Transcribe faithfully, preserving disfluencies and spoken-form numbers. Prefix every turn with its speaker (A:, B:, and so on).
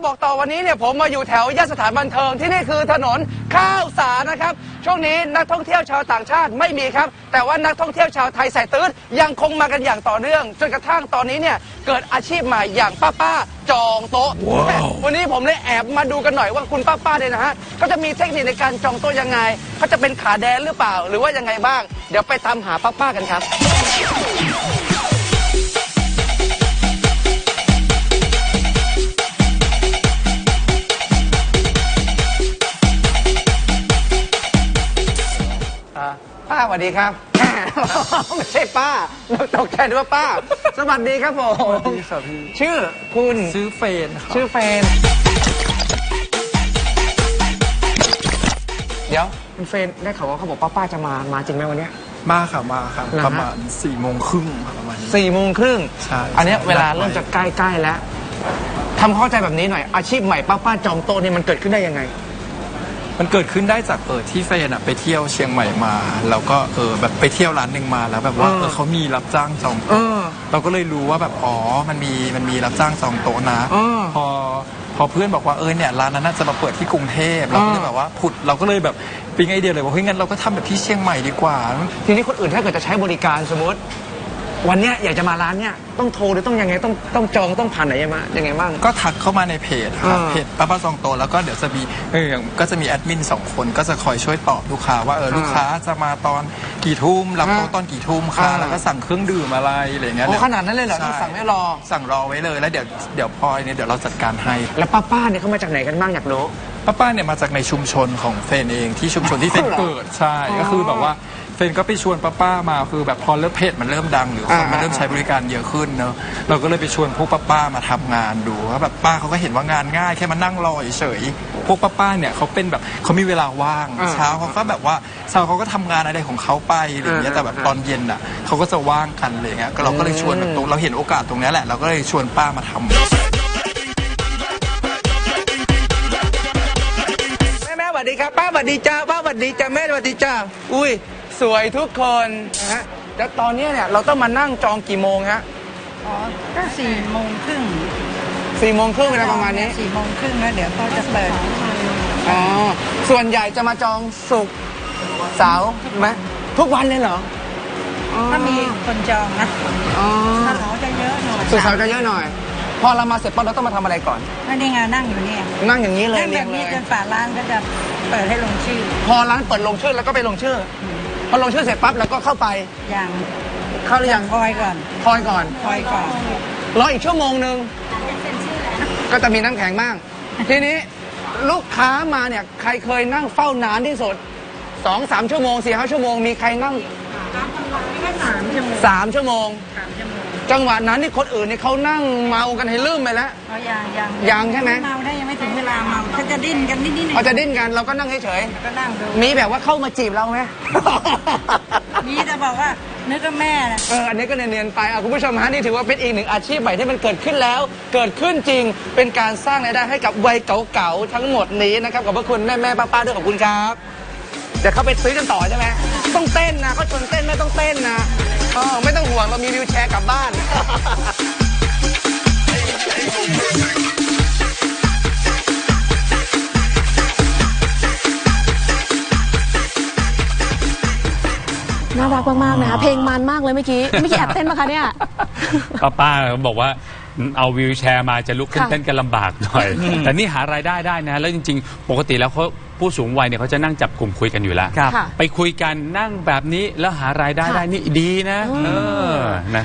A: บอกต่อวันนี้เนี่ยผมมาอยู่แถวย่านสถานบันเทิงที่นี่คือถนนข้าวสารนะครับช่วงนี้นักท่องเที่ยวชาวต่างชาติไม่มีครับแต่ว่านักท่องเที่ยวชาวไทยสายตื้นยังคงมากันอย่างต่อเนื่องจนกระทั่งตอนนี้เนี่ยเกิดอาชีพใหม่อย่างป้าป้าจองโต๊ะ wow. วันนี้ผมเลยแอบมาดูกันหน่อยว่าคุณป้าป้าเนี่ยนะฮะเขาจะมีเทคนิคในการจองโต๊ะยังไงเขาจะเป็นขาแดนหรือเปล่าหรือว่ายังไงบ้างเดี๋ยวไปตามหาป้าป้ากันครับป้าสวัสดีครับ ไม่ใช่ป้าตกใจนึกว่าป้าสวัสดีครับผมสวัสดีครับพี่ชื่อคุณ
B: ชื่อเฟนครับ
A: ชื่อเฟนเดี๋ยวคุณเฟนได้ข่าวว่าเขาบอกป้าป้าจะมามาจริงไหมวันนี้
B: มาค่ะมาค่ะประมาณสี่โมงครึ่งประมาณ
A: สี่โมงครึ่ง
B: ใช่
A: อันนี้เวลาเริ่มจะใกล้ๆแล้วทำเข้าใจแบบนี้หน่อยอาชีพใหม่ป้าป้าจองโต๊ะนี่มันเกิดขึ้นได้ยังไง
B: มันเกิดขึ้นได้จากเออที่เฟนอะไปเที่ยวเชียงใหม่มาแล้วก็เออแบบไปเที่ยวร้านหนึ่งมาแล้วแบบว่าเออเขามีรับจ้างจองโต๊ะเราก็เลยรู้ว่าแบบอ๋อมันมีมันมีรับจ้างจองโต๊ะนะพอพอเพื่อนบอกว่าเออเนี่ยร้านนั้นน่าจะมาเปิดที่กรุงเทพเราก็เลยแบบว่าผุดเราก็เลยแบบปิ๊งไอเดียเลยว่าเฮ้ยงั้นเราก็ทำแบบที่เชียงใหม่ดีกว่า
A: ทีนี้คนอื่นถ้าเกิดจะใช้บริการสมมติวันเนี้ยอยากจะมาร้านเนี้ยต้องโทรหรือต้องยังไงต้องต้องจองต้องผ่านไหนยังไงยังไงบ้าง
B: ก็ทักเข้ามาในเพจครับเพจป้าป้าจองโต๊ะแล้วก็เดี๋ยวจะมีเออก็จะมีแอดมินสองคนก็จะคอยช่วยตอบลูกค้าว่าเออลูกค้าจะมาตอนกี่ทุ่มรับโต๊ะตอนกี่ทุ่มค่ะแล้วก็สั่งเครื่องดื่มอะไรอะไรเงี้ย
A: โอ้ขนาดนั้นเลยเหรอที่สั่งไม่รอ
B: สั่งรอไว้เลยแล้วเดี๋ยวเดี๋ยวพอเนี่ยเดี๋ยวเราจัดการให้
A: แล้วป้าป้าเนี่ยเขามาจากไหนกันบ้างอยากรู้
B: ป้าป้าเนี่ยมาจากในชุมชนของเฟนเองที่ชุมชนที่เฟนเกิดใช่ก็คือแบบว่าเฟนก็ไปชวนป้าป้ามาคือแบบพอเริ่มเพจมันเริ่มดังหรือคนมันเริ่มใช้บริการเยอะขึ้นเนอะเราก็เลยไปชวนพวกป้าป้ามาทำงานดูว่าแบบป้าเขาก็เห็นว่างานง่ายแค่มานั่งรอเฉยพวกป้าป้าเนี่ยเขาเป็นแบบเขามีเวลาว่างเช้าเขาก็แบบว่าเช้าเขาก็ทำงานอะไรของเขาไปอะไรอย่างเงี้ยแต่แบบตอนเย็นอ่ะเขาก็จะว่างกันอะไรเงี้ยเราก็เลยชวนแบบตรงเราเห็นโอกาสตรงนี้แหละเราก็เลยชวนป้ามาทำ
A: สวัสดีครับป้าสวัสดีจ้าป้าสวัสดีจ้าแม่สวัสดีจ้าอุ้ยสวยทุกคนนะฮะแล้วตอนนี้เนี่ยเราต้องมานั่งจองกี่โมงฮะ
C: อ๋อก็สี่โมงครึ่ง
A: สี่โมงครึ่งเวลาประมาณนี้
C: สี่โมงครึ่งแล้วเดี๋ยวเขาจะเปิด
A: อ๋อส่วนใหญ่จะมาจองศุกร์เสาร์ไหมทุกวันเลยเหรอ
C: ถ้ามีคนจองนะ
A: อ๋อ
C: ถ้าเขาจะเยอะหน่อย
A: ศุกร์เสาร์จะเยอะหน่อยพอเรามาเสร็จปั๊บเราต้องมาทำอะไรก่อน
C: นี่ไงนั่งอยู่นี่
A: นั่งอย่างนี้เลย
C: นั่งแบบนี้จนฝาร้านก็จะเปิดให้ลงชื่อ
A: พอร้านเปิดลงชื่อแล้วก็ไปลงชื่อพอลงชื่อเสร็จปั๊บแล้วก็เข้าไป
C: ยัง
A: เข้าหรือยัง
C: คอยก่อน
A: คอยก่อน
C: คอยก่อน
A: รออีกชั่วโมงนึงก็จะมีน้ำแข็งบ้างทีนี้ลูกค้ามาเนี่ยใครเคยนั่งเฝ้านานที่สุดสองสามชั่วโมงสี่ห้าชั่วโมงมีใครนั่ง
C: สามชั่วโมง
A: สามชั่วโมงจังหวะนั้นนี่คนอื่นนี่เขานั่งเมากันให้ลืมไปแล้ว
C: เขายังยัง
A: ยังใช่ไหม
C: เมาได้ยังไม่ถึงเวลาเมาเขาจะดิ้นกันนิดนิด
A: เขาจะดิ้นกันเราก็นั่งเฉย
C: ๆก็นั่งดู
A: มีแบบว่าเข้ามาจีบเราไหม
C: มีแต่บอกว่านึกว่าแม่นะ
A: เอออันนี้ก็เนียนๆไปอ่ะคุณผู้ชมฮะนี่ถือว่าเป็นอีกหนึ่งอาชีพใหม่ที่มันเกิดขึ้นแล้วเกิดขึ้นจริงเป็นการสร้างรายได้ให้กับวัยเก่าๆทั้งหมดนี้นะครับขอบพระคุณแม่ๆป้าๆด้วยขอบคุณครับเดี๋ยวเขาไปซื้อกันต่อใช่ไหมต้องเต้นนะเขาชวนเต้นไม่ต้องเต้นนะอ๋อไม่ต้องห่วงเรามีวิวแชร์กลับบ้าน
D: น่ารักมากๆนะคะเพลงมันมากเลยเมื่อกี้เมื่อกี้แอบเต้นปะคะเนี่ย
E: ป้าป้าบอกว่าเอาวิวแชร์มาจะลุกขึ้นเต้นกันลำบากหน่อยแต่นี่หารายได้ได้นะแล้วจริงๆปกติแล้วเขาผู้สูงวัยเนี่ยเขาจะนั่งจับกลุ่มคุยกันอยู่แล้วไปคุยกันนั่งแบบนี้แล้วหารายได้ได้นี่ดีนะเออนะ